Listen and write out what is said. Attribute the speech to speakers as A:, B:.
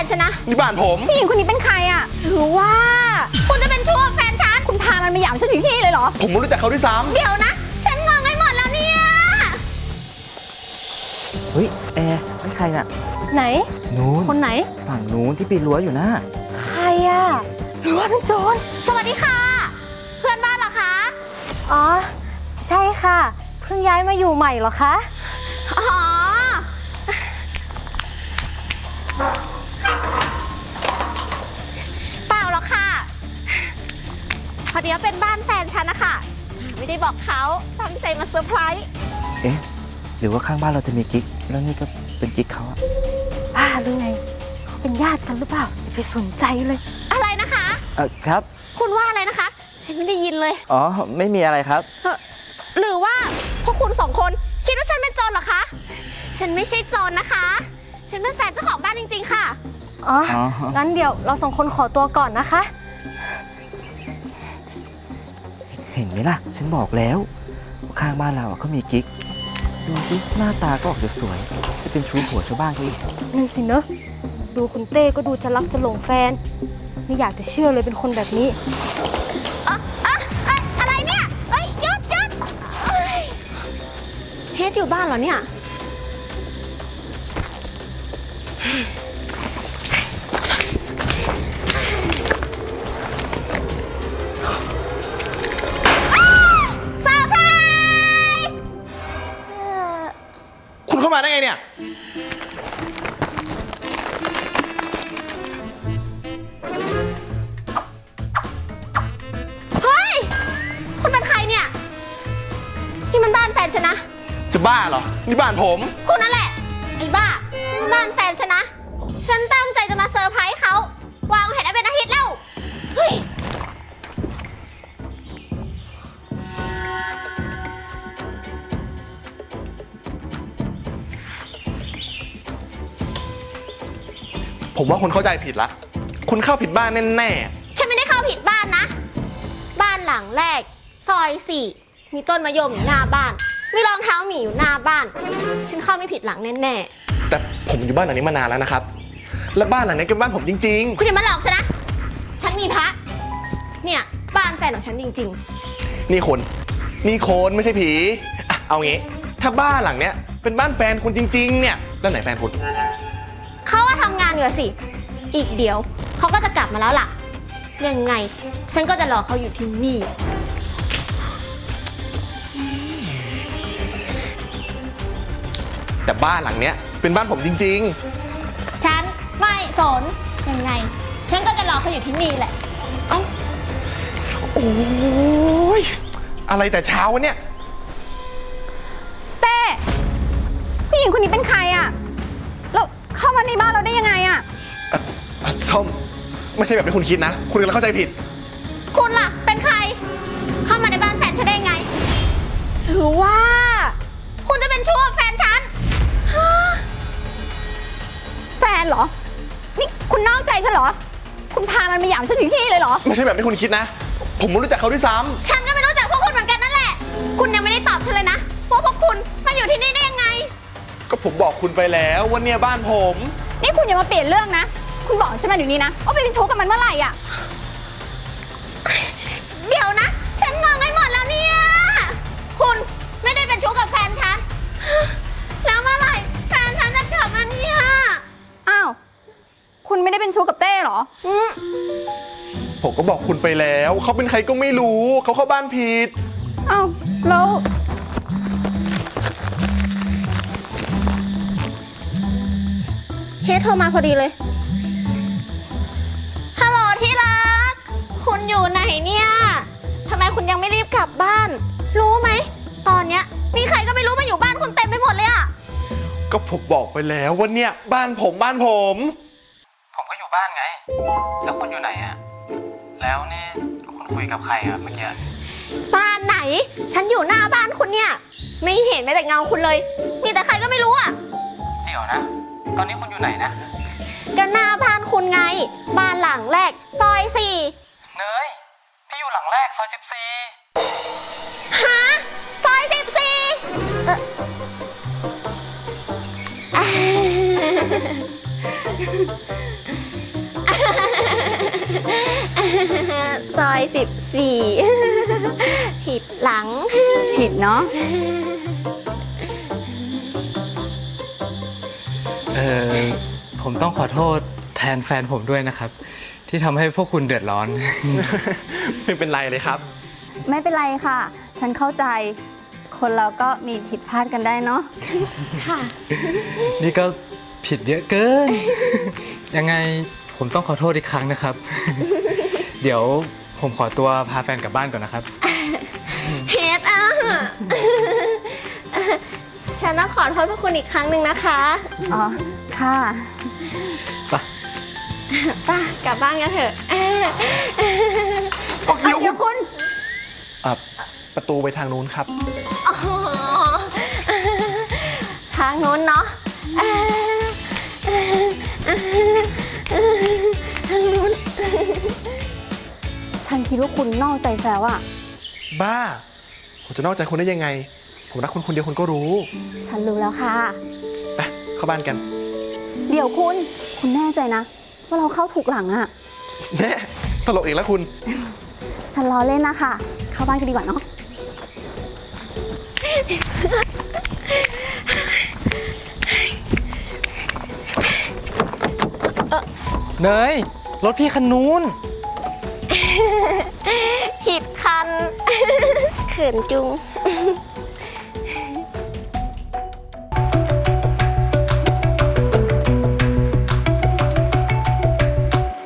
A: นฉันนะ
B: นี่บ้านผม
C: ผู้หญิงคนนี้เป็นใครอ่ะ
A: หรือว่าคุณจะเป็นชู้กับแฟนฉัน
C: คุณพามันมาหยามฉันถึงที่เลยเหรอ
B: ผมไม่รู้จักเขาด้วยซ้
A: ำเดี๋ยวนะฉันงงไปหมดแล้วเนี่ย
D: เฮ้ยแอร์ไม่ใครน่ะ
C: ไหน
D: นู้น
C: คนไหน
D: ฝั่งนู้นที่ปีนรั้วอยู่นะ
C: ใครอ่ะหรือว่าเป็นโจร
A: สวัสดีค่ะเพื่อนบ้านเหรอคะ
C: อ๋อใช่ค่ะเพิ่งย้ายมาอยู่ใหม่เหรอคะ
A: อ๋อเปล่าหรอกค่ะพอดีเป็นบ้านแฟนฉันนะคะไม่ได้บอกเขาตั้งใจมาเซอร์ไพรส์
D: เอ๊ะหรือว่าข้างบ้านเราจะมีกิ๊กแล้วนี่ก็เป็นกิ๊กเขาอะ
C: บ้าหรือไงเขาเป็นญาติกันหรือเปล่าอย่าไปสนใจเลย
A: อะไรนะคะ
D: ครับ
A: คุณว่าอะไรนะคะฉันไม่ได้ยินเลย
D: อ๋อไม่มีอะไรครับ
A: หรือว่าพวกคุณสองคนคิดว่าฉันเป็นโจรเหรอคะฉันไม่ใช่โจรนะคะฉันเป็นแฟนเจ้าของบ้านจริงๆค่ะ
C: อ๋องั้นเดี๋ยวเราสองคนขอตัวก่อนนะคะ
D: เห็นไหมล่ะฉันบอกแล้วข้างบ้านเราเขามีกิ๊กดูสิหน้าตาก็ออกจะสวยจะเป็นชู้ผัวชาวบ้านเขาอีก
C: นั่นสิเนอะดูคุณเต้ก็ดูจะรักจะหลงแฟนไม่อยากจะเชื่อเลยเป็นคนแบบนี้
A: อะไรเนี่ยหยุดเฮดอยู่บ้านเหรอเนี่ย
B: คุณเข้ามาได้ไงเนี่ย
A: เฮ้ยคุณเป็นใครเนี่ยนี่มันบ้านแฟนฉันนะ
B: จะบ้าเหรอนี่บ้านผม
A: คุณนั่นแหละไอ้บ้าบ้านแฟนฉันนะฉันตั้งใจจะมาเซอร์ไพรส์เขาวางแผนได้เป็นอาทิตย์แล้วเฮ้ย
B: ผมว่าคุณเข้าใจผิดละคุณเข้าผิดบ้านแน่
A: ๆฉันไม่ได้เข้าผิดบ้านนะบ้านหลังแรกซอย4มีต้นมะยมอยู่หน้าบ้านมีรองเท้าหมีอยู่หน้าบ้านฉันเข้าไม่ผิดหลังแน่
B: ๆแต่ผมอยู่บ้านหลังนี้มานานแล้วนะครับและบ้านหลังนี้เป็นบ้านผมจริง
A: ๆคุณอย่ามาหลอกฉันนะฉันมีพระเนี่ยบ้านแฟนของฉันจริง
B: ๆนี่คนไม่ใช่ผีเอางี้ถ้าบ้านหลังเนี้ยเป็นบ้านแฟนคุณจริงๆเนี่ยแล้วไหนแฟนคุณ
A: เขาว่าทำงานอยู่สิอีกเดี๋ยวเขาก็จะกลับมาแล้วล่ะยังไงฉันก็จะรอเขาอยู่ที่นี่
B: แต่บ้านหลังเนี้ยเป็นบ้านผมจริงๆ
A: ฉันไม่สนยังไงฉันก็จะรอเขาอยู่ที่นี่แหละ
B: เอ้าโอ้ยอะไรแต่เช้าวะเนี่ย
C: เต้ผู้หญิงคนนี้เป็นใครอ่ะแล้วเข้ามาในบ้านเราได้ยังไงอ่ะ
B: ส้มไม่ใช่แบบที่คุณคิดนะคุณกำลังเข้าใจผิด
A: คุณล่ะเป็นใครเข้ามาในบ้านแฟนฉันได้ไงหรือว่าคุณจะเป็นชู้กับแฟนฉัน
C: แฟนเหรอนี่คุณนอกใจฉันเหรอคุณพามันมาหยามฉันถึงที่เลยเหรอ
B: ไม่ใช่แบบที่คุณคิดนะผมไม่รู้จักเขาด้วยซ้
A: ำฉันก็ไม่รู้จักพวกคุณเหมือนกันนั่นแหละคุณยังไม่ได้ตอบฉันเลยนะว่าพวกคุณมาอยู่ที่นี่ได้ยังไง
B: ก็ผมบอกคุณไปแล้วว่าเนี่ยบ้านผม
C: นี่คุณอย่ามาเปลี่ยนเรื่องนะคุณบอกฉันมาอยู่นี่นะว่าไปเป็นชู้กับมันเมื่อไหร่อ่ะ
A: เดี๋ยวนะฉันงงไปหมดแล้วเนี่ยคุณไม่ได้เป็นชู้กับแฟนฉันแล้วเมื่อไหร่แฟนฉันจะกลับมาเนี่ย
C: อ้าวคุณไม่ได้เป็นชู้กับเต้เหรอ
B: ผมก็บอกคุณไปแล้วเขาเป็นใครก็ไม่รู้เขาเข้าบ้านผิด
C: อ้าวแล้ว
A: เฮดโทรมาพอดีเลยฮัลโหลที่รักคุณอยู่ไหนเนี่ยทำไมคุณยังไม่รีบกลับบ้านรู้ไหมตอนเนี้ยมีใครก็ไม่รู้มาอยู่บ้านคุณเต็มไปหมดเลยอะ
B: ก็ผมบอกไปแล้วว่าเนี่ยบ้านผม
D: ผมก็อยู่บ้านไงแล้วคุณอยู่ไหนอะแล้วนี่คุณคุยกับใครอะเมื่อกี้
A: บ้านไหนฉันอยู่หน้าบ้านคุณเนี่ยไม่เห็นแม้แต่เงาคุณเลยมีแต่ใครก็ไม่รู้อะ
D: เดี๋ยวนะตอนนี้คุณอยู่ไหนนะ
A: ก็หน้าบ้านคุณไงบ้านหลังแรกซอย4
D: เนยพี่อยู่หลังแรกซอย14
A: ฮะซอย14 ซอย 14 ผิดหลัง
C: ผิดเนาะ
E: ผมต้องขอโทษแทนแฟนผมด้วยนะครับ ที่ทำให้พวกคุณเดือดร้อน
B: ไม่เป็นไรเลยครับ
C: ไม่เป็นไรค่ะ ฉันเข้าใจ คนเราก็มีผิดพลาดกันได้เนาะ
A: ค่ะ
E: นี่ก็ผิดเยอะเกิน ยังไงผมต้องขอโทษอีกครั้งนะครับ เดี๋ยวผมขอตัวพาแฟนกลับบ้านก่อนนะครับ
A: เฮดอ่ะ ฉันต้องขอโทษพวกคุณอีกครั้งหนึ่งนะคะ
C: อ๋อ ค่ะ
E: ไป
A: ป่ะกลับบ้านกันเถอะ
B: เดี๋ยว
C: เดี๋ยวคุณ
B: ประตูไปทางนู้นครับ
A: อ๋อทางนู้นเนาะทางนู้น
C: ฉันคิดว่าคุณนอกใจแซวอะ
B: บ้า ผมจะนอกใจคุณได้ยังไง ผมรักคุณคนเดียวคุณก็รู้
C: ฉันรู้แล้วค่ะ
B: ไปเข้าบ้านกัน
C: เดี๋ยวคุณแน่ใจนะ ว่าเราเข้าถูกหลังอะ
B: แน่ตลกอีกแล้วคุณ
C: ฉันล้อเล่นนะคะ เข้าบ้านกันดีกว่าเนาะ
E: เนยรถพี่คันนู้น
A: ผิดคัน เขินจุง